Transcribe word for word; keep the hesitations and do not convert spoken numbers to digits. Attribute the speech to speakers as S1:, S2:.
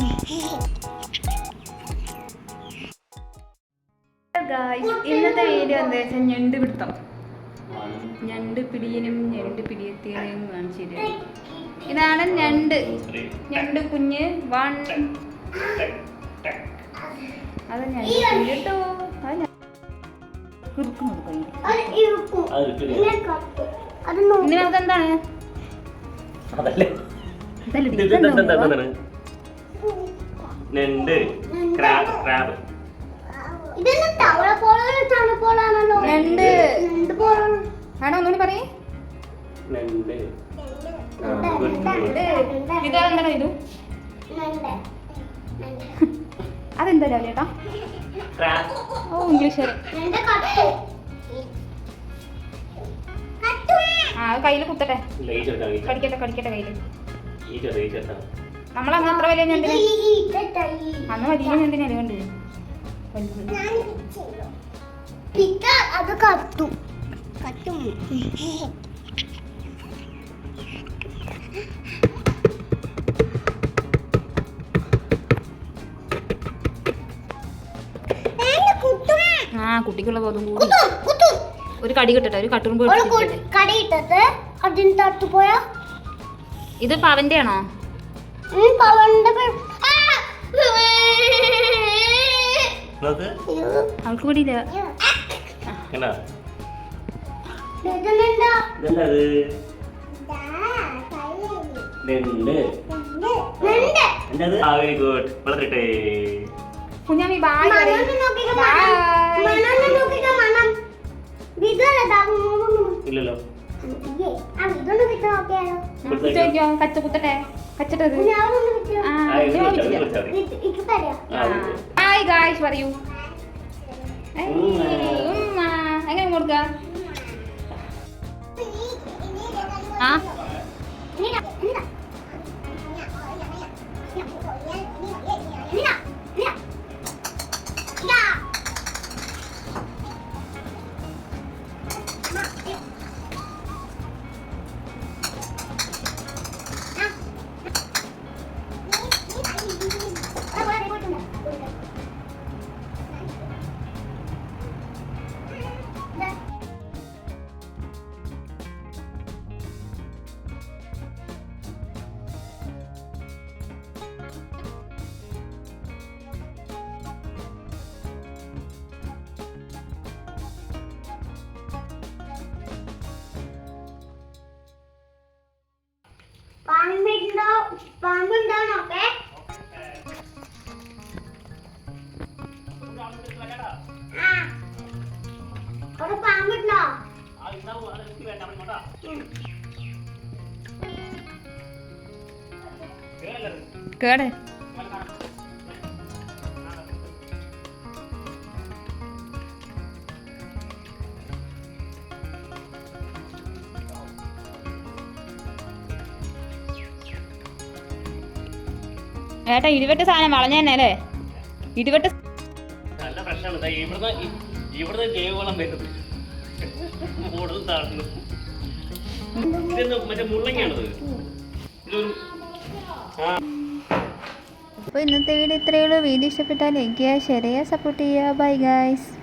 S1: ഇന്നത്തെ വീഡിയോ എന്താ വെച്ചാൽ ഞണ്ട് പിടുത്തം. ഞണ്ട് പിടിയനും ഞണ്ട് പിടിയത്തിനും കാണിച്ചു തരും. ഇതാണ് ഞണ്ട്. ഞണ്ട് കുഞ്ഞ് വൺ. അത് ഞണ്ട് കേട്ടോ. ഇനി അതെന്താണ്?
S2: ഞണ്ട് ക്രാബ് ക്രാബ്
S1: ഞണ്ട് ആണോ ഒന്നുകൂടി പറയേ. ഇതെന്താണോ ഇത്? അതെന്താ ചേട്ടാ? ഓ ഇംഗ്ലീഷ്. ആ കയ്യിൽ കുത്തട്ടെ, കടിക്കട്ടെ കടിക്കട്ടെ കയ്യിൽ. നമ്മളന്ന് അത്ര വലിയ ഞണ്ടിന് അന്ന് വലിയ ഞണ്ടിന് അറിയണ്ട്.
S3: അത് കത്തും കത്തും.
S1: ആ കുട്ടിക്കുള്ള ബോധം കൂടി. ഒരു കടി കിട്ടട്ടെ, ഒരു കട്ടുറുമ്പ് ഇത് പവന്റെ ആണോ? അവൾക്ക് കൂടിയില്ല. കുഞ്ഞാമി ബായ്
S2: ഇല്ലല്ലോ.
S1: ചോദിക്കോ കച്ച കുത്തട്ടെ കച്ചട്ടത്. ഹായ് ഗായ്സ് പറയൂ. എങ്ങനെ കൊടുക്ക? ആ
S3: പാമ്പുണ്ടാണോക്കെ പാമ്പുണ്ടോ?
S1: കേടെ ഏട്ടാ ഇരുപറ്റ് സാധനം വളഞ്ഞ തന്നെ അല്ലേ? ഇരുപറ്റ്
S2: നല്ല പ്രശ്നമാണ്. ഇവിടുന്ന് ഇവിടുന്ന് ജൈവവളം വരുന്നത് മറ്റേ മുള്ളങ്ങയാണത്.
S1: അപ്പോൾ ഇന്നത്തെ വീഡിയോ ഇത്രയേ ഉള്ളൂ. വീഡിയോ ഇഷ്ടപ്പെട്ടാൽ ലൈക്ക് ചെയ്യുക, ഷെയർ ചെയ്യുക, സപ്പോർട്ട് ചെയ്യുക. Bye guys.